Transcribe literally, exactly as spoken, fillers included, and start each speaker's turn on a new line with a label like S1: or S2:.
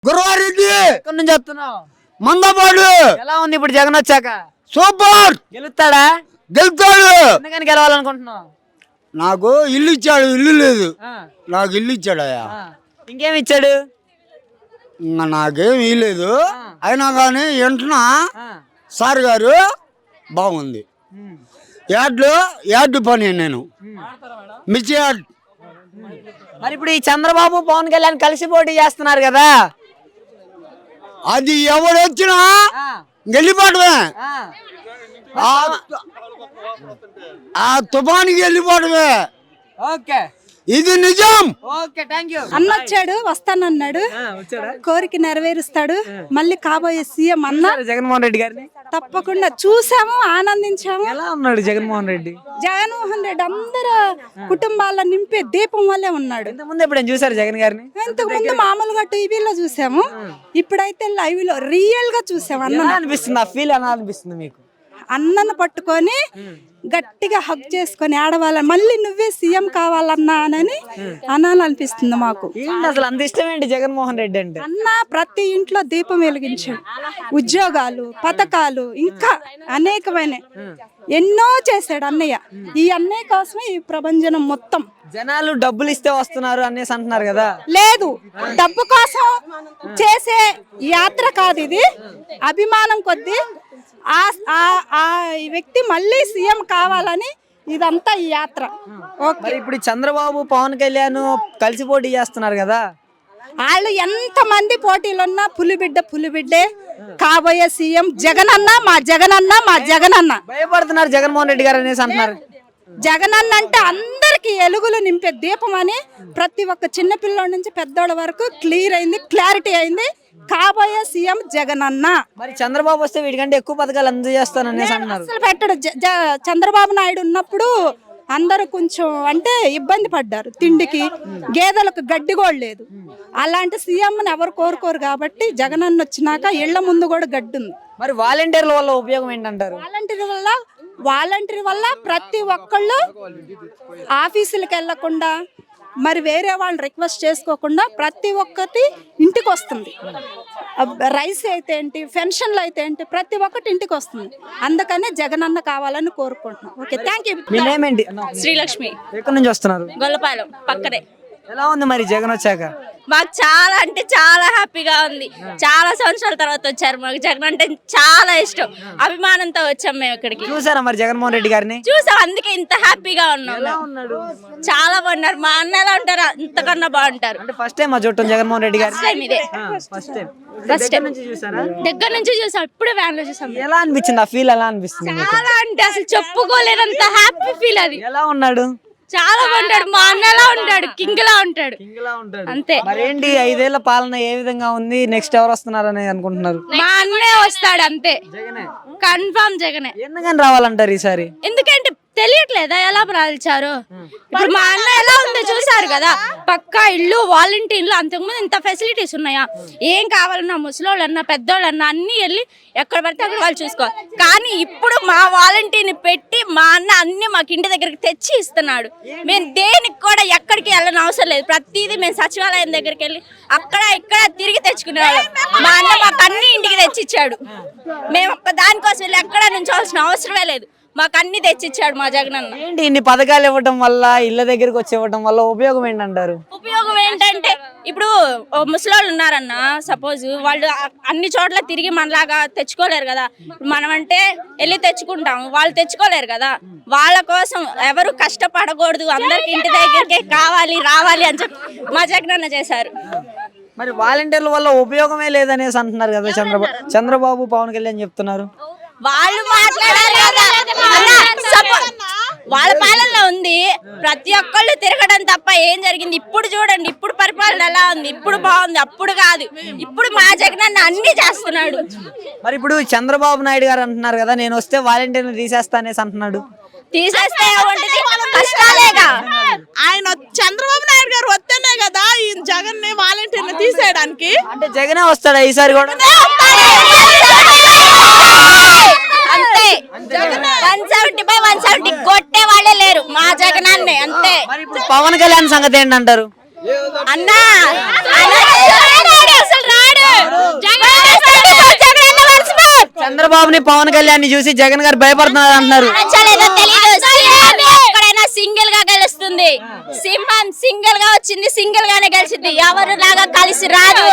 S1: గురవారెడ్డి
S2: ఎక్కడి నుంచి వస్తున్నావు?
S1: మందపాడు.
S2: ఎలా ఉంది ఇప్పుడు జగన్ వచ్చాక?
S1: సూపర్.
S2: గెలుస్తాడా?
S1: గెలుస్తాడు.
S2: ఎందుకని గెలవాలనుకుంటున్నావు?
S1: నాకు ఇల్లు ఇచ్చాడు, ఇల్లు లేదు.
S2: ఆ,
S1: నాకు ఇల్లు ఇచ్చాడయ్యా.
S2: ఆ. ఇంకేమి ఇచ్చాడు?
S1: ఇంకా నాకేం ఇల్లేదు. అయినా కానీ వెంటనే
S2: ఆ,
S1: సార్ గారు బాగుంది.
S2: ఉమ్,
S1: యాడ్లు యాడ్ పని నేను
S2: ఉమ్.
S1: మిర్చి యాడ్.
S2: మరి ఇప్పుడు ఈ చంద్రబాబు పవన్ కళ్యాణ్ కలిసి పోటీ చేస్తున్నారు కదా?
S1: అది ఎవడు వచ్చినా
S2: ఆ,
S1: వెళ్ళిపోవడమే.
S2: ఆ.
S1: ఆ- ఆ తుఫానికి వెళ్ళిపోవడమే.
S2: ఓకే
S1: ఇది నిజం.
S2: Okay thank you.
S3: అన్నొచ్చాడు, వస్తానన్నాడు,
S2: వచ్చాడా?
S3: కోరిక నెరవేరుస్తాడు. మళ్ళీ కాబోయే సీఎం అన్న
S2: చూసారా జగన్మోహన్ రెడ్డి గారిని?
S3: తప్పకుండా చూసాము, ఆనందించాము.
S2: ఎలా ఉన్నాడు జగన్మోహన్ రెడ్డి?
S3: జగన్మోహన్ రెడ్డి అందరు కుటుంబాల నింపే దీపం వల్లే ఉన్నాడు.
S2: ఇంత ముందు ఎప్పుడైనా చూసారు జగన్ గారిని?
S3: ఇంతకు ముందు మామూలుగా టీవీలో చూసాము, ఇప్పుడైతే లైవ్ లో రియల్ గా చూసాము. అన్న
S2: ఎలా అనిపిస్తుంది? ఆ ఫీల్ ఎలా అనిపిస్తుంది మీకు?
S3: అన్నను పట్టుకొని గట్టిగా హగ్ చేసుకొని ఆడవాళ్ళ మళ్ళీ నువ్వే సీఎం కావాలన్నా అని అనాలనిపిస్తుంది మాకు.
S2: ఏంటి అసలు అంత ఇష్టం ఏంటి జగన్మోహన్ రెడ్డి అంటే?
S3: అన్న ప్రతి ఇంట్లో దీపం వెలిగించాడు. ఉద్యోగాలు, పథకాలు, ఇంకా అనేకమైన ఎన్నో చేశాడు అన్నయ్య. ఈ అన్నయ్య కోసమే ఈ ప్రభంజనం మొత్తం.
S2: జనాలు డబ్బులు ఇస్తే వస్తున్నారు అనేసి అంటున్నారు కదా?
S3: లేదు, డబ్బు కోసం చేసే యాత్ర కాదు ఇది. అభిమానం కొద్దీ ఆ ఆ- ఆ వ్యక్తి మళ్ళీ సీఎం కావాలని ఇదంతా ఈ యాత్ర. ఓకే,
S2: మరి ఇప్పుడు చంద్రబాబు పవన్ కళ్యాణ్ కలిసి పోటీ చేస్తున్నారు కదా?
S3: వాళ్ళు ఎంత మంది పోటీలున్నా పులిబిడ్డ పులిబిడ్డే కాబోయే సీఎం జగనన్న, మా జగనన్న, మా జగనన్న.
S2: భయపడుతున్నారు జగన్మోహన్ రెడ్డి గారు అనేసి అంటున్నారు.
S3: జగనన్న అంటే అందరికి ఎలుగులు నింపే దీపం అని ప్రతి ఒక్క చిన్న పిల్లోడి నుంచి పెద్దోళ్ళ వరకు క్లియర్ అయింది, క్లారిటీ అయింది. కాబోయే సీఎం జగనన్న.
S2: మరి చంద్రబాబు వస్తే వీటికంటే ఎక్కువ పథకాలు అందజేస్తాను అనేసి అంటున్నారు.
S3: అసలు పెట్టడు. జ- జ- చంద్రబాబు నాయుడు ఉన్నప్పుడు అందరూ కొంచెం అంటే ఇబ్బంది పడ్డారు. తిండికి గేదెలకు గడ్డి కూడా లేదు. అలాంటి సీఎంని ఎవరు కోరుకోరు కాబట్టి జగనన్న వచ్చినాక ఇళ్ల ముందు కూడా గడ్డి ఉంది.
S2: మరి వాలంటీర్ల వల్ల ఉపయోగం ఏంటంటారు?
S3: వాలంటీర్ వల్ల వాలంటీర్ వల్ల ప్రతి ఒక్కళ్ళు ఆఫీసులకు వెళ్లకుండా మరి వేరే వాళ్ళని రిక్వెస్ట్ చేసుకోకుండా ప్రతి ఒక్కటి ఇంటికి వస్తుంది. అబ్ రైస్ అయితే ఏంటి, పెన్షన్లు అయితే ఏంటి, ప్రతి ఒక్కటి ఇంటికి వస్తుంది. అందుకనే జగనన్న కావాలని కోరుకుంటున్నాం. Okay, thank you.
S2: మీ నేమ్ ఏంటి?
S4: శ్రీలక్ష్మి,
S2: ఎక్కడి నుంచి వస్తున్నారు?
S4: గొల్లపాలెం పక్కనే.
S2: ఎలా ఉంది మరి జగన్ వచ్చాక?
S4: మాకు చాలా అంటే చాలా హ్యాపీగా ఉంది. చాలా సంవత్సరాల తర్వాత వచ్చారు. మాకు జగన్ అంటే చాలా ఇష్టం, అభిమానంతో వచ్చాం మేము ఇక్కడికి.
S2: చూసారా మరి జగన్మోహన్ రెడ్డి గారిని?
S4: చూసాం, అందుకే ఇంత హ్యాపీగా ఉన్నాం. చాలా బాగున్నారు. మా అన్న ఎలా ఉంటారు ఇంతకన్నా బాగుంటారు.
S2: అంటే ఫస్ట్ టైం మా చుట్టం జగన్మోహన్ రెడ్డి గారు?
S4: ఫస్ట్ టైం ఇదే,
S2: ఫస్ట్ టైం.
S4: ఫస్ట్ టైం
S2: నుంచి చూసారా?
S4: దగ్గర నుంచి చూసాం. ఇప్పుడే వ్యాన్ లో చూసాం.
S2: ఎలా అనిపించింది? ఆ ఫీల్ ఎలా అనిపిస్తుంది మీకు?
S4: చాలా అంటే అసలు చెప్పుకోలేనంత హ్యాపీ ఫీల్ అది.
S2: ఎలా ఉన్నాడు?
S4: చాలా బాగుంటాడు. మా అన్న ఎలా ఉంటాడు, కింగ్ లా ఉంటాడు అంతే.
S2: మరేంటి ఐదేళ్ల పాలన ఏ విధంగా ఉంది? నెక్స్ట్ ఎవరు వస్తున్నారని అనుకుంటున్నారు?
S4: మా అన్నే వస్తాడు అంతే, కన్ఫర్మ్ జగనే.
S2: ఎందుకని రావాలంటారు ఈసారి?
S4: ఎందుకంటే తెలియట్లేదా ఎలా ప్రాల్చారు? ఇప్పుడు మా అన్న ఎలా ఉందో చూసారు కదా. పక్కా ఇల్లు, వాలంటీర్లు, అంతకుముందు ఇంత ఫెసిలిటీస్ ఉన్నాయా? ఏం కావాలన్నా ముసలోళ్ళన్నా పెద్దోళ్ళన్నా అన్ని వెళ్ళి ఎక్కడ పడితే అక్కడ వాళ్ళు చూసుకోవాలి. కానీ ఇప్పుడు మా వాలంటీర్ని పెట్టి మా అన్న అన్ని మాకు ఇంటి దగ్గరికి తెచ్చి ఇస్తున్నాడు. మేము దేనికి కూడా ఎక్కడికి వెళ్ళని అవసరం లేదు. ప్రతిదీ మేము సచివాలయం దగ్గరికి వెళ్ళి అక్కడ ఇక్కడ తిరిగి తెచ్చుకునేవాళ్ళం. మా అన్న మాకు అన్ని ఇంటికి తెచ్చిచ్చాడు. మేము ఒక్క దానికోసం వెళ్ళి ఎక్కడ నుంచోవాల్సిన అవసరమే లేదు. మాకు అన్ని తెచ్చిచ్చాడు మా జగనన్న.
S2: ఏంటి ఇన్ని పథకాలు ఇవ్వడం వల్ల, ఇళ్ళ దగ్గరికి వచ్చి ఇవ్వడం వల్ల ఉపయోగం ఏంటంటారు?
S4: ఉపయోగం ఏంటంటే ఇప్పుడు ముసలోళ్ళు ఉన్నారన్న, సపోజ్ వాళ్ళు అన్ని చోట్ల తిరిగి మనలాగా తెచ్చుకోలేరు కదా. మనం అంటే వెళ్ళి తెచ్చుకుంటాం, వాళ్ళు తెచ్చుకోలేరు కదా. వాళ్ళ కోసం ఎవరు కష్టపడకూడదు, అందరికి ఇంటి దగ్గరికే కావాలి రావాలి అని చెప్పి మా జగనన్న చేశారు.
S2: మరి వాలంటీర్ల వల్ల ఉపయోగమే లేదనేసి అంటున్నారు కదా చంద్రబాబు చంద్రబాబు పవన్ కళ్యాణ్ చెప్తున్నారు.
S4: వాళ్ళు మాట్లాడారు కదా అన్న, suppose వాళ్ళ పాలనలో ఉంది. ప్రతి ఒక్కళ్ళు తిరగడం తప్ప ఏం జరిగింది? ఇప్పుడు చూడండి, ఇప్పుడు పరిపాలన ఎలా ఉంది? ఇప్పుడు బాగుంది, అప్పుడు కాదు. ఇప్పుడు మా జగనన్న అన్ని చేస్తున్నాడు.
S2: మరి ఇప్పుడు చంద్రబాబు నాయుడు గారు అంటున్నారు కదా, నేను వస్తే వాలంటీర్లు తీసేస్తా అనేసి అంటున్నాడు.
S4: తీసేస్తే ఏముంటది? కష్టాలేగా.
S5: ఆయన చంద్రబాబు నాయుడు గారు వస్తేనే కదా ఈ జగన్ ని వాలంటీర్ని తీసేయడానికి.
S2: అంటే జగనే వస్తాడా ఈసారి కూడా?
S4: అంతే, one seventy by one seventy కొట్టే వాళ్ళే లేరు మా జగనాన్నే అంతే.
S2: మరి ఇప్పుడు పవన్ కళ్యాణ్ సంగతి ఏంటంటారు?
S4: అన్నా అసలు రాడు
S2: చంద్రబాబుని పవన్ కళ్యాణ్ చూసి జగన్ గారు భయపడుతున్నారు అంటున్నారు.
S4: నచ్చలేదో తెలీదు. ఎక్కడైనా సింగిల్ గా గెలుస్తుంది. సింహం సింగిల్ గా వచ్చింది, సింగిల్ గానే గెలిచింది. ఎవరు లాగా కలిసి రాదు.